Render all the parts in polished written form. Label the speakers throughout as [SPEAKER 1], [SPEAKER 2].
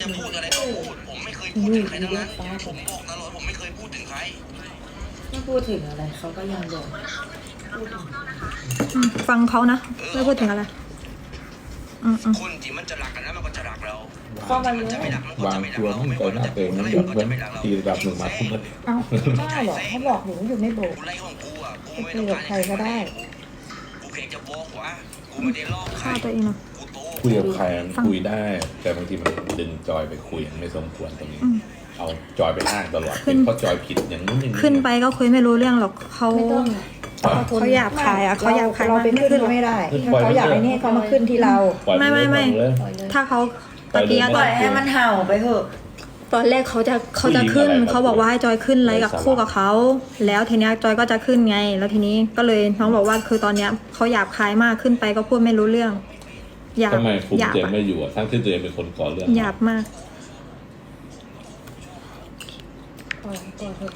[SPEAKER 1] จะพูดอะไรก็พูดผมไม่เคยพูดถึงใครทั้งนั้นผมบอกตลอดผมไม่เคยพูดถึงใคร
[SPEAKER 2] ไม่พูดถึงอะไรเขาก็ยังบอก
[SPEAKER 3] ฟังเขานะไม่พูดถึงอะไร
[SPEAKER 1] คนที่มันจะรักกันแล้วมันก็จะรักเรา
[SPEAKER 2] ข้อมัน
[SPEAKER 1] จะไม่รักมันก็
[SPEAKER 4] วาง
[SPEAKER 1] จะไม่รัก
[SPEAKER 4] ตัว
[SPEAKER 1] เรา
[SPEAKER 4] มัน
[SPEAKER 1] ไม่
[SPEAKER 4] ไป
[SPEAKER 1] ว่า
[SPEAKER 4] หน้าเต็มมันแบบเหมือนตีแบบหนึ่งมาทุ่มมัน
[SPEAKER 2] เอ้าได้หรอเขาบอกหนูอยู่ไม่บอก
[SPEAKER 1] กูไล่ของกูอ่ะกูไม่
[SPEAKER 2] คุ
[SPEAKER 1] ต้อย ง
[SPEAKER 2] กับ
[SPEAKER 1] การ
[SPEAKER 2] ใครก็ได้
[SPEAKER 1] กูเพียงจะบอกว่ากูไม่ได้ลอกใคร
[SPEAKER 3] ฆ่าตัวเองเนาะ
[SPEAKER 1] กูโต
[SPEAKER 4] คุยกับใครคุยได้ แต่บางทีมันดึงจอยไปคุยมันไม่สมควรตรงนี้เอาจอยไปอ้างตลอดเพราะจอยผิดอย่างนู้นอย่างนี้
[SPEAKER 3] ขึ้นไปก็คุยไม่รู้เรื่องหรอกเขา
[SPEAKER 2] ไม่ต้อง
[SPEAKER 3] เขาหยาบคายอ่ะเขาหยาบคาย
[SPEAKER 2] เรา
[SPEAKER 3] มาก
[SPEAKER 2] ไปขึ้นไม่ได้เขาอยากไปนี่เขามาขึ้นที่เรา
[SPEAKER 4] ปล่อย
[SPEAKER 3] ไม่
[SPEAKER 4] เลย
[SPEAKER 3] ถ้าเขาตะกี้
[SPEAKER 2] ปล่อยให้มันเห่าไปเถอะ
[SPEAKER 3] ตอนแรกเขาจะขึ้นเขาบอกว่าให้จอยขึ้นไลฟ์กับคู่กับเขาแล้วทีเนี้ยจอยก็จะขึ้นไง แล้วทีนี้ก็เลยน้องบอกว่าคือตอนเนี้ยเขาหยาบคายมากขึ้นไปก็พูดไม่รู้เรื่องหยาบ
[SPEAKER 4] ทำไมคุณ
[SPEAKER 3] หยาบ
[SPEAKER 4] เจมไม่อยู่ทั้งที่เจมเป็นคนก่อเรื่อง
[SPEAKER 3] หยาบมาก
[SPEAKER 2] ปล่อยเถอะ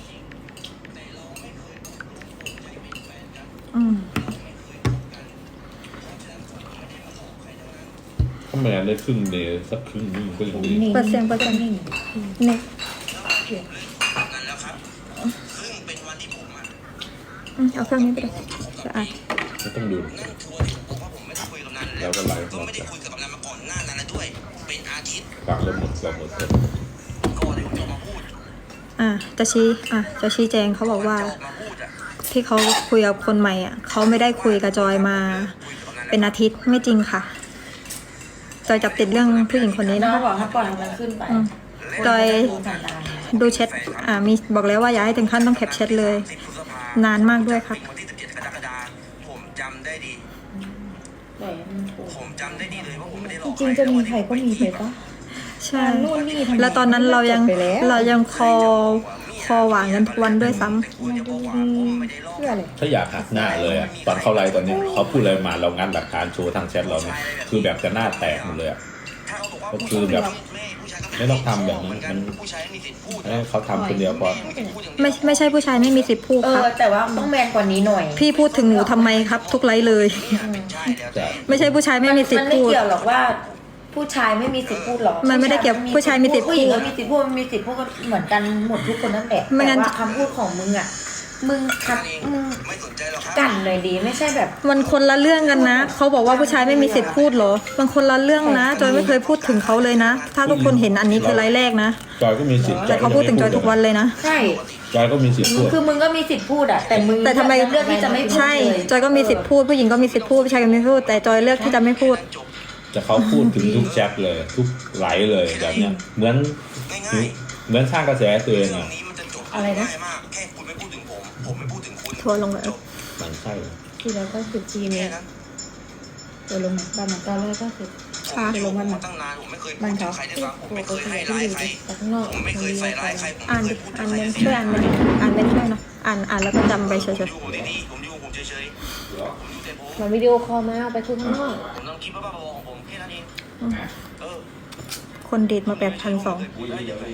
[SPEAKER 4] ถ้าแมนได้ครึ่งเดย์สักครึ่งนึงก็ยังดี
[SPEAKER 3] เปอร์เซ็นต์
[SPEAKER 2] นิ่ง
[SPEAKER 3] เนี่ย
[SPEAKER 1] นั่นแล้วครับซึ่งเป็นวันที่ผมอ่ะ
[SPEAKER 3] เอาเครื่องนี้ไปเลยจะอ่าน
[SPEAKER 4] ไม่ต้องดู
[SPEAKER 1] นั่นคือวันที่ผมบอกว่าผมไม่ได้คุยกับนัน
[SPEAKER 4] แล้วก็ไลฟ์
[SPEAKER 1] ก็ไม่ได้คุยกับนันมาก่อนหน้านั้นแล้วด้วยเป็นอาทิตย์
[SPEAKER 4] ฟังแล้วหมดเราหมดเลย
[SPEAKER 1] ก่อนที่ผมจะมาพูด
[SPEAKER 3] จะชี้แจงเขาบอกว่า
[SPEAKER 1] จะออกมาพูดอ่ะ
[SPEAKER 3] ที่เขาคุยกับคนใหม่อ่ะเขาไม่ได้คุยกับจอยมาเป็นอาทิตย์ไม่จริงค่ะจอยจับติดเรื่องผู้หญิงคนนี้
[SPEAKER 2] น้
[SPEAKER 3] นะ
[SPEAKER 2] อง
[SPEAKER 3] คะ
[SPEAKER 2] บอกให้ปล่อยมันขึ้นไป
[SPEAKER 3] จอย
[SPEAKER 2] สันดาน
[SPEAKER 3] ดูแชทมีบอกแล้วว่าอย่าให้ถึงขั้นต้องแคปแชทเลย
[SPEAKER 1] 10 พฤษภาน
[SPEAKER 3] านมากด้วยครับ
[SPEAKER 1] วันที่17 กรกฎาคมผมจำได้ดี
[SPEAKER 2] ปล่อยให้มันถูก
[SPEAKER 1] ผมจำได้ดีเลยว่าผมไม่ได้หลอก
[SPEAKER 2] จริงๆจะมีใครก็มีไปปะ
[SPEAKER 3] ใช่
[SPEAKER 2] นู่นนี่ทำไม
[SPEAKER 3] แล้วตอนนั้นเรายัง
[SPEAKER 2] จบไปแล้ว
[SPEAKER 3] คอหวานกันทุกวันด้วยซ้ำ
[SPEAKER 1] แต่คุณจะบอกว่าผมไม่ได้หลอก
[SPEAKER 2] เพื่ออะไร
[SPEAKER 4] ถ้าอยากหักหน้าเลยอะตอนเข้าไลฟ์ตอนนี้เขาพูดอะไรมาเรางัดหลักฐานโชว์ทางแชทเราเนี่ยคือแบบจะหน้าแตกหมดเลยอะ
[SPEAKER 1] ถ้าเขาบอกว่า
[SPEAKER 4] ก็คือแบบไม่ต้องทำแบบนั้นมัน
[SPEAKER 1] ผู้ชายไม่มีสิทธิ์พูด
[SPEAKER 4] ให้เขาทำคนเดียวพอ
[SPEAKER 3] ไม่ใช่ผู้ชายไม่มีสิทธิ์พูด
[SPEAKER 2] เอ
[SPEAKER 3] ครั
[SPEAKER 2] อบ แต่ว่าต้องแมนกว่านี้หน่อย
[SPEAKER 3] พี่พูดถึงหนูทำไมครับ ทุกไลฟ์เลย
[SPEAKER 4] จะ
[SPEAKER 3] ไม่ใช่ผู้ชายไม่มีสิท
[SPEAKER 2] มัน
[SPEAKER 3] ธิ์
[SPEAKER 2] ไม่
[SPEAKER 3] พูด
[SPEAKER 2] เกี่ยวหรอกว่า ผู้ชายไม่มีสิทธิ์พูดหรอก
[SPEAKER 3] มันไม่ได้เกี่ยวผู้ชายมีสิทธิ์พูด
[SPEAKER 2] ผู้หญิงก็มีสิทธิ์พูดมันมีสิทธิ์พูดก็เหมือนกันหมดทุกคนนั่นแหละ
[SPEAKER 3] ไม่งั้
[SPEAKER 2] แต่
[SPEAKER 3] น
[SPEAKER 2] ว่าคำพูดของมึงอ่ะมึงคัดมึง
[SPEAKER 1] ไม่สนใจหรอกครับ
[SPEAKER 2] กันเลยดีไม่ใช่แบบ
[SPEAKER 3] มันคนละเรื่องกันนะเขาบอกว่าผู้ชายไม่มีสิทธิ์พูดเหรอมันคนละเรื่องนะจอยไม่เคยพูดถึงเขาเลยนะ ถ้าทุกคนเห็นอันนี้คือไลฟ์แรกนะ
[SPEAKER 4] จอยก็มีสิทธิ์
[SPEAKER 3] แต่เขาพูดถึงจอยทุกวันเลยนะ
[SPEAKER 2] ใช่
[SPEAKER 4] จอยก็มีสิทธิ์พูด
[SPEAKER 2] คือมึงก็มีสิทธิ์พูดอ่ะแต่มึง
[SPEAKER 3] แต่ทำไม
[SPEAKER 2] เลือกที่จะไม่พูด
[SPEAKER 3] ใช่
[SPEAKER 2] เลย
[SPEAKER 3] จอยก็มีสิทธิ์พูดผู้หญิงก็มีสิทธิ์พูดผู้ชายก็มีสิทธิ์พูดแต่จอยเลือกที่จะไม่พูด
[SPEAKER 4] แต่เขาพูดถึงทุกแชทเลย ทุกไลฟ์เลยแบบเนี้ยเหมือน
[SPEAKER 1] ง่าย
[SPEAKER 4] เหมือนสร้างกระแสตัวเอง
[SPEAKER 1] ๆเรื่อ
[SPEAKER 4] อะ
[SPEAKER 1] งนี้มันจะจบ
[SPEAKER 2] อะไรนะ
[SPEAKER 1] ง่ายมากแค่คุณไม่พูดถึงผมไม่พูดถึงคุณ
[SPEAKER 3] ทัวร์ลงเลย
[SPEAKER 1] จบ
[SPEAKER 4] มันใช่
[SPEAKER 2] ทีแล้วก็สิบที
[SPEAKER 1] แค่
[SPEAKER 2] เนี่ย
[SPEAKER 1] นั้น
[SPEAKER 2] ตัวลงบ้านมันตอนแรกก็คือ
[SPEAKER 3] ค่ะ
[SPEAKER 1] ผมอยู่มาตั้งนานผมไม่เคยพูดถึงใครด้วยซ้ำผมไม่เคยให้ร้ายใครผมไม่เคยใส่ร้ายใครผม
[SPEAKER 3] อ่าน
[SPEAKER 1] ไม่
[SPEAKER 3] ดิ
[SPEAKER 1] เคยพูด
[SPEAKER 3] อ่า
[SPEAKER 1] ถึ
[SPEAKER 3] น
[SPEAKER 1] งใคร
[SPEAKER 3] เมนช่วยอ่านเมนอ่านเมนช่วยเนาะอ่านแล้วก็จำไปเฉย
[SPEAKER 1] ผมอยู่ดีๆผมอยู่ผมเฉยๆผมอยู่แต่ผม
[SPEAKER 2] มันวิดีโอคอลมาเอาไปคุยข้างนอก
[SPEAKER 1] ผมต้องคิดบ้าๆบอๆของผมแค่นั้นเองเออ
[SPEAKER 3] ๆคนดีดมา8,200
[SPEAKER 1] พูดได้ยังไง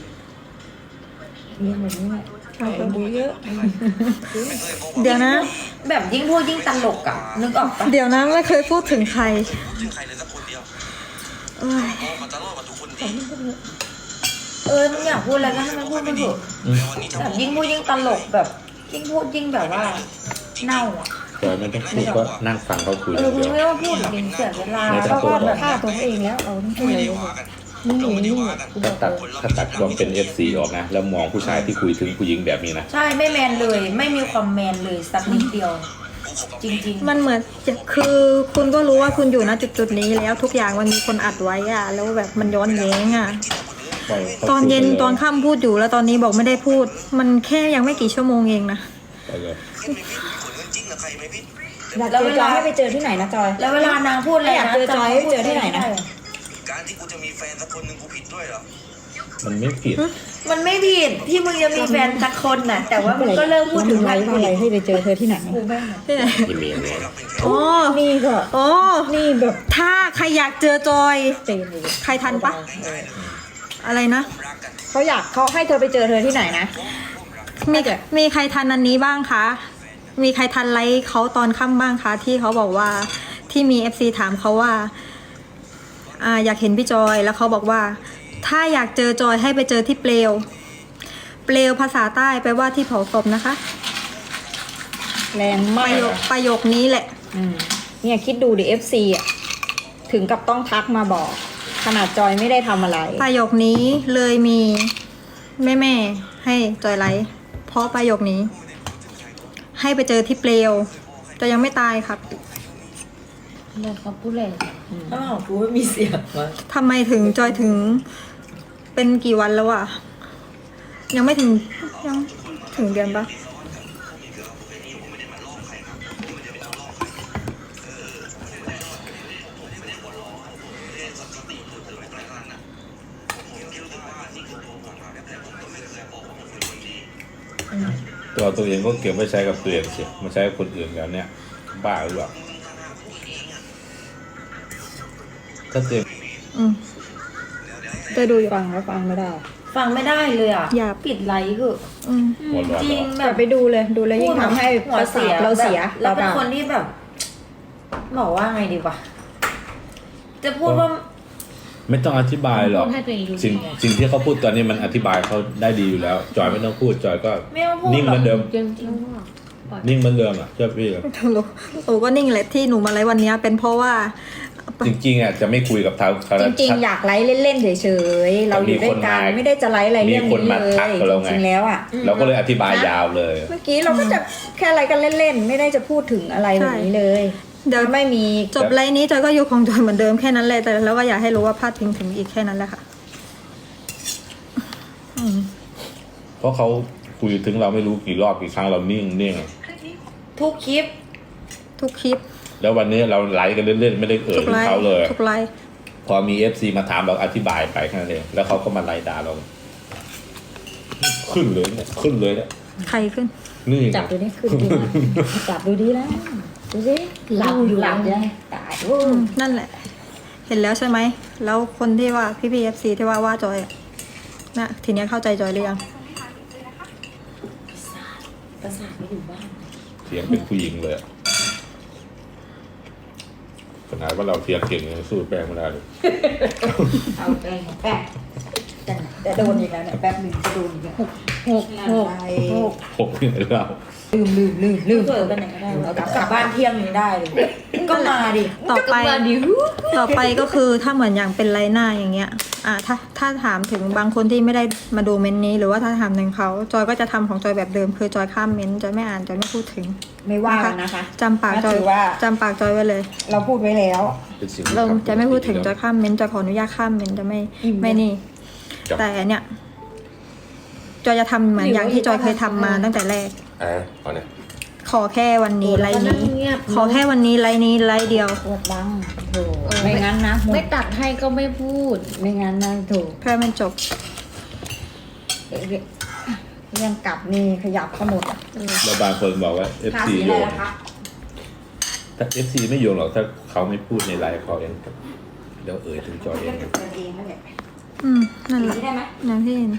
[SPEAKER 2] เรื่องแบบนี้แหละใช่บูเยอะ
[SPEAKER 1] ไม่เคยโกหก
[SPEAKER 3] เดี๋ยวนะ
[SPEAKER 2] แบบยิ่งพูดยิ่งตลกอ่ะนึกออกปะ
[SPEAKER 3] เดี๋ยวนะไม่เคยพูดถึงใคร
[SPEAKER 1] พูดถึงใครเลยสักคนเดียว
[SPEAKER 3] เอ้ย
[SPEAKER 1] โอ้มันจะรอดกับทุกคนดี
[SPEAKER 2] มึงอยากพูดอะไรก็ให้มันพูดไปเถอะ
[SPEAKER 1] แต่วันนี้จะ
[SPEAKER 2] แบบ
[SPEAKER 1] บอก
[SPEAKER 2] ยิ่งพูดยิ่งตลกแบบยิ่งพูดยิ่งแบบว่าเน่าอ่ะ
[SPEAKER 4] จอยไม่ต้องพูดก็นั่งฟังเขาคุย
[SPEAKER 2] มึ
[SPEAKER 4] เดียว
[SPEAKER 2] งไม่ต้องพูดหรอกเสียเวลา
[SPEAKER 4] ไม่ต้
[SPEAKER 2] ก็
[SPEAKER 4] องพูด
[SPEAKER 2] แบบฆ่าตัวเองแล้วเอาที่พูด
[SPEAKER 1] ไม่
[SPEAKER 2] เล
[SPEAKER 1] ได้
[SPEAKER 2] ย
[SPEAKER 1] ว่ากัน
[SPEAKER 2] นี่
[SPEAKER 1] เราไม่ได้
[SPEAKER 2] นี่
[SPEAKER 1] ว่ากัน
[SPEAKER 4] ถ้าตัดรวมเป็น FC ออกนะ แล้วมองผู้ชายที่คุยถึงผู้หญิงแบบนี้นะ
[SPEAKER 2] ใช่ไม่แมนเลย ไม่มีความแมนเลยสักนิดเดียว จริงๆ
[SPEAKER 3] มันเหมือนคือคุณก็รู้ว่าคุณอยู่ณจุดนี้แล้วทุกอย่างมันมีคนอัดไว้อะแล้วแบบมันย้อนแย้งอะตอนเย็นตอนค่ำพูดอยู่แล้วตอนนี้บอกไม่ได้พูด มันแค่ยังไม่กี่ชั่วโมงเองนะ
[SPEAKER 4] ไปเลย
[SPEAKER 1] ขึ้นไม่พิษขนเงินจริงนะใครไม่พิษ
[SPEAKER 5] อยากเจอจอยให้ไปเจอที่ไหนนะจอย
[SPEAKER 2] แล้วเวลานางพูดอะไร
[SPEAKER 5] อยาก
[SPEAKER 2] นะ
[SPEAKER 5] เจอจอยให้เจอที่ไหนนะ
[SPEAKER 1] การที่กูจะมีแฟนสักคนหนึ่งกูผิดด้วยเหรอ
[SPEAKER 4] มันไม่ผิด
[SPEAKER 2] มันไม่ผิดที่มึงจะมีแฟนสักคนน่ะ แต่ว่ามึงก็เริ่มพูดถึง
[SPEAKER 5] ไลฟ์ว่าอะไรให้ไปเจอเธอที่ไหน
[SPEAKER 2] กูแม่ง
[SPEAKER 3] ที่ไหน
[SPEAKER 4] ยินดีเลย
[SPEAKER 1] เราเป็นแค่
[SPEAKER 3] อ๋อ
[SPEAKER 5] นี่ก็
[SPEAKER 3] อ๋อ
[SPEAKER 5] นี่แบบ
[SPEAKER 3] ถ้าใครอยากเจอจอย
[SPEAKER 5] เต็มเลย
[SPEAKER 3] ใครทันปะอะไรนะ
[SPEAKER 1] รักกัน
[SPEAKER 5] เขาให้เธอไปเจอเธอที่ไหนนะ
[SPEAKER 3] มีใครทันอันนี้บ้างคะ มีใครทันไลฟ์เขาตอนค่ำบ้างคะที่เขาบอกว่าที่มี FC ถามเขาว่าอยากเห็นพี่จอยแล้วเขาบอกว่าถ้าอยากเจอจอยให้ไปเจอที่เปลว เปลวภาษาใต้แปลว่าที่เผาศพนะคะ
[SPEAKER 5] แรง
[SPEAKER 3] ป
[SPEAKER 5] มาก
[SPEAKER 3] ระโยคประโยคนี้แหละ
[SPEAKER 5] เนี่ยคิดดูดิ FC อ่ะถึงกับต้องทักมาบอก ขนาดจอยไม่ได้ทำอะไร
[SPEAKER 3] ประโยคนี้เลยมีแม่ให้จอยไลฟ์เพราะประโยคนี้ ให้ไปเจอที่เปลวจะยังไม่ตายครับ
[SPEAKER 2] เนี่ยเขาพูดเลยถ้าของกูไม่มีเสียงวะ
[SPEAKER 3] ทำไมถึงจอยถึงเป็นกี่วันแล้วอะยังไม่ถึงยังถึงเดือนปะ
[SPEAKER 4] ตัวเองก็เก็บไว้ใช้กับตัวเองเสียมาใช้กับคนอื่นแล้วเนี่ยบ้าหรือเปล่าถ้าตัวเอง
[SPEAKER 3] จะดูอยู่
[SPEAKER 5] ฟังแล้วฟังไม่ได้
[SPEAKER 2] ฟังไม่ได้เลยอ่ะ
[SPEAKER 3] อย่า
[SPEAKER 2] ปิดไลค์คือ
[SPEAKER 3] อืม
[SPEAKER 4] หัวร้อน
[SPEAKER 2] จริง
[SPEAKER 4] เหรอ
[SPEAKER 2] แบ
[SPEAKER 5] แต่
[SPEAKER 2] บ
[SPEAKER 5] ไปดูเลยดูแล้วยิ่งทำให้
[SPEAKER 2] หัว
[SPEAKER 5] ประสาทเราเสีย
[SPEAKER 2] เราเป็น
[SPEAKER 5] ปล่าๆ
[SPEAKER 2] คนที่แบบ บอกว่าไงดีวะจะพูดว่า
[SPEAKER 4] ไม่ต้องอธิบายหรอก
[SPEAKER 6] พูดให้ตัวเองรู้
[SPEAKER 4] สิ่ง
[SPEAKER 6] ไง
[SPEAKER 4] สิ่งที่เขาพูดตอนนี้มันอธิบายเขาได้ดีอยู่แล้ว จอยไม่ต้องพูดจอยก็
[SPEAKER 2] ไม่ต้องพูด
[SPEAKER 4] นิ่งเหมือนเดิม
[SPEAKER 6] จริงจริงว่าปล่อย
[SPEAKER 4] นิ่งเหมือนเดิมอ่ะเชื่อพี่
[SPEAKER 3] หนูก็นิ่งแหละที่หนูมาไลฟ์วันนี้เป็นเพราะว่า
[SPEAKER 4] จริงๆอ่ะจะไม่คุยกับเขา
[SPEAKER 5] จริงๆ อยากไลฟ์เล่นๆเฉยๆเราอยู่ด้วยกันไม่ได้จะไลฟ์อะไรเรื่องนี้เลยจริงๆแล้วอ่ะ
[SPEAKER 4] เราก็เลยอธิบายยาวเลย
[SPEAKER 5] เมื่อกี้เราก็จะแค่ไลฟ์กันเล่นๆไม่ได้จะพูดถึงอะไรแบบนี้เลย
[SPEAKER 3] เดี๋ยว
[SPEAKER 5] ไม่มี
[SPEAKER 3] จบไลฟ์นี้จอยก็อยู่ของจอยเหมือนเดิมแค่นั้นแหละแต่แล้วก็อยากให้รู้ว่าพลาดพิงถึงอีกแค่นั้นแหละค่ะ
[SPEAKER 4] เพราะเขาคุยถึงเราไม่รู้กี่รอบกี่ครั้งเรานิ่ง
[SPEAKER 2] ทุกคลิป
[SPEAKER 3] ทุกคลิป
[SPEAKER 4] แล้ววันนี้เราไลฟ์กันเล่นๆไม่ได้เอ่ย
[SPEAKER 3] ทุก
[SPEAKER 4] ถึ
[SPEAKER 3] ไล
[SPEAKER 4] ง
[SPEAKER 3] ฟ์
[SPEAKER 4] เขาเลย
[SPEAKER 3] ทุกไลฟ์
[SPEAKER 4] พอมี FC มาถามเราอธิบายไปแค่นั้นเองแล้วเขาก็มาไล่ด่าเราขึ้นเลยเนี่ยขึ้นเลยเนี่ย
[SPEAKER 3] ใครขึ้น
[SPEAKER 4] นี่ไง
[SPEAKER 5] จับดูนี่ขึ้นดีนะจับดูดีแล้วดูสิ
[SPEAKER 2] หลับอยู่
[SPEAKER 5] หลับยังตายโอ้
[SPEAKER 3] นั่นแหละ เห็นแล้วใช่ไหมแล้วคนที่ว่าพี่ FC ที่ว่าจอยอะนะทีเนี้ยเข้าใจจอยหรือยัง
[SPEAKER 2] ประสาทไม่อยู่บ้าน
[SPEAKER 4] เสียงเป็นผู้หญิงเลยอะขนาดว่าเราเทียงเก่งยังสู้แป้งไม่ได้เลย
[SPEAKER 5] เอาแป้งแป้งแต่โดนอีกแล้วเนี่ยแป๊บหนึ่งจะโดนอีกแล้ว
[SPEAKER 6] หก
[SPEAKER 4] หกที่ไหนเรา
[SPEAKER 5] ลืม
[SPEAKER 2] เกิดไปไหนก็ได้วะกลับบ้านเที่ยงยังได้เลย ก็มาดิ
[SPEAKER 3] ต่อไป
[SPEAKER 6] มาดิว
[SPEAKER 3] ต่อไปก็คือถ้าเหมือนอย่างเป็นไลน์หน้าอย่างเงี้ยถ้าถามถึงบางคนที่ไม่ได้มาดูเมนต์นี้ หรือว่าถ้าถามถึงเขาจอยก็จะทำของจอยแบบเดิมคือจอยข้ามเมนต์จอยไม่อ่านจอยไม่พูดถึง
[SPEAKER 5] ไม่ว่ากันนะคะ
[SPEAKER 3] จำปากจอย
[SPEAKER 5] ถือว่า
[SPEAKER 3] จำปากจอยไว้เลย
[SPEAKER 5] เราพูดไว้แล้ว
[SPEAKER 4] เป็นสิ่งที่
[SPEAKER 3] เรา
[SPEAKER 4] ทำ
[SPEAKER 3] จะไม่พูดถึงจอยข้ามเมนต์จอยขออนุญาตข้ามเมนต์จะไม่นี่
[SPEAKER 4] จับ
[SPEAKER 3] แต่เนี่ยจอยจะทำเหมือนอย่างที่จอยเคยทำมาตั้งแต่แรก
[SPEAKER 4] เอาเนี่ย
[SPEAKER 3] ขอแค่วันนี้ไลน์นี้ ขอแค่วันนี้ไลน์นี้ไลน์เดียว
[SPEAKER 5] ปวดบังโถไม่งั้นนะ
[SPEAKER 6] ไม่ตัดให้ก็ไม่พูด
[SPEAKER 5] ไม่งั้นนะถูก
[SPEAKER 3] เพื่อมันจบ
[SPEAKER 5] เรื่องกลับนี่ขยับขมดอ่ะ
[SPEAKER 4] แล้วบางคนบอกว่า FC โยนถ้า FC ไม่โยนหรอกถ้าเขาไม่พูดในไลฟ์เขาเองเดี๋ยวเอ่ยถึงจอยเอง
[SPEAKER 3] นั่นแหละ
[SPEAKER 5] ได้ไหม
[SPEAKER 3] อย่างที่เห็น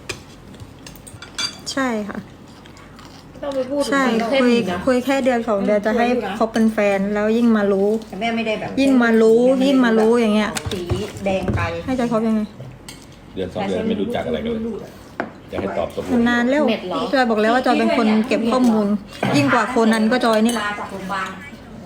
[SPEAKER 3] ใช่ค่ะ
[SPEAKER 2] ต้องไปพูดถึง
[SPEAKER 3] ใช่
[SPEAKER 2] มัน
[SPEAKER 3] คุยแค่เดือน2 เดือนจะให้เขาเป็นแฟนแล้วยิ่งมารู้
[SPEAKER 5] แต่แม่ไม่ได้แบบ
[SPEAKER 3] ยิ่งมารู้อย่างเงี้ย
[SPEAKER 5] สีแดงไป
[SPEAKER 3] ให้ใจเขายังไง
[SPEAKER 4] เดือน2 เดือนไม่รู้จักอะไรกันเลยจะให้ตอบตกลง
[SPEAKER 3] นานแล้ว
[SPEAKER 6] เน็ตเหรอ
[SPEAKER 3] จอยบอกแล้วว่าจอยเป็นคนเก็บข้อมูล ยิ่งกว่าโคนันก็จอยนี่แหละ
[SPEAKER 5] มาจากโรงพยาบาล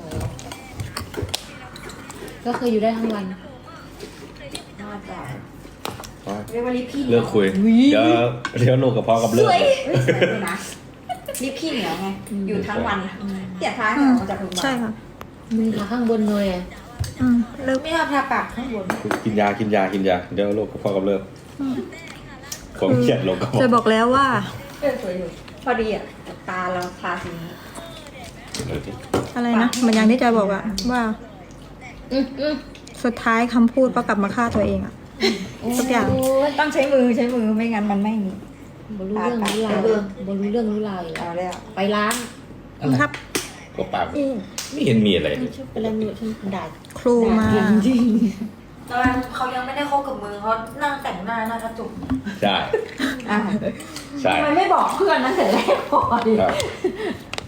[SPEAKER 6] ก็คืออยู่ได้ทั้งวัน
[SPEAKER 5] มาจาก
[SPEAKER 4] อ๋อ
[SPEAKER 5] เรียกว่าลิปพี่
[SPEAKER 4] เลิกคุยเดี๋ยวโรคกระเพาะกับเลิกเลย
[SPEAKER 5] สวยเลยนะลิปพี่เหนียวไงอยู่ทั้งวันเสียท้ายออกมาจากโรงพยาบาล
[SPEAKER 3] ใช่ค่ะ
[SPEAKER 6] มีขาข้างบนเลยอะ
[SPEAKER 3] เลิก
[SPEAKER 2] ไม่เอาทาปากข้างบน
[SPEAKER 4] กินยาเดี๋ยวโรคกระเพาะกับเลิกผมเครียดโรคกระเพาะ
[SPEAKER 3] จะบอกแล้วว่า
[SPEAKER 5] สวยอยู่พอดีอ่ะตาเราทาสีนี้
[SPEAKER 3] อะไรนะเหมือนอย่างที่จอยบอกอะว่า สุดท้ายคำพูดก็กลับมาฆ่าตัวเองอะทุกอย่าง
[SPEAKER 6] โอ้ย
[SPEAKER 5] ต้องใช้มือไม่งั้นมันไม่มี
[SPEAKER 6] บรู้เรื่องรู้ราวบรู้เรื่องรู้ราวอีก
[SPEAKER 5] เอาแล้ว
[SPEAKER 6] ไปล้าง
[SPEAKER 3] ครับ
[SPEAKER 4] ก็ปากไม่เห็นมีอะไรเลย
[SPEAKER 6] ฉันเป็นอะไรไม่รู้ฉันด่า
[SPEAKER 3] ครูมา
[SPEAKER 6] จริง
[SPEAKER 2] ตอนเขายังไม่ได้คบกับมือเขานั่งแต่งหน้าหน้ากระจก
[SPEAKER 4] ใช่
[SPEAKER 5] อ่ะ
[SPEAKER 4] ใช่
[SPEAKER 5] ทำไมไม่บอกเพื่อนนั้นแต่แรกพอดี
[SPEAKER 4] ครับ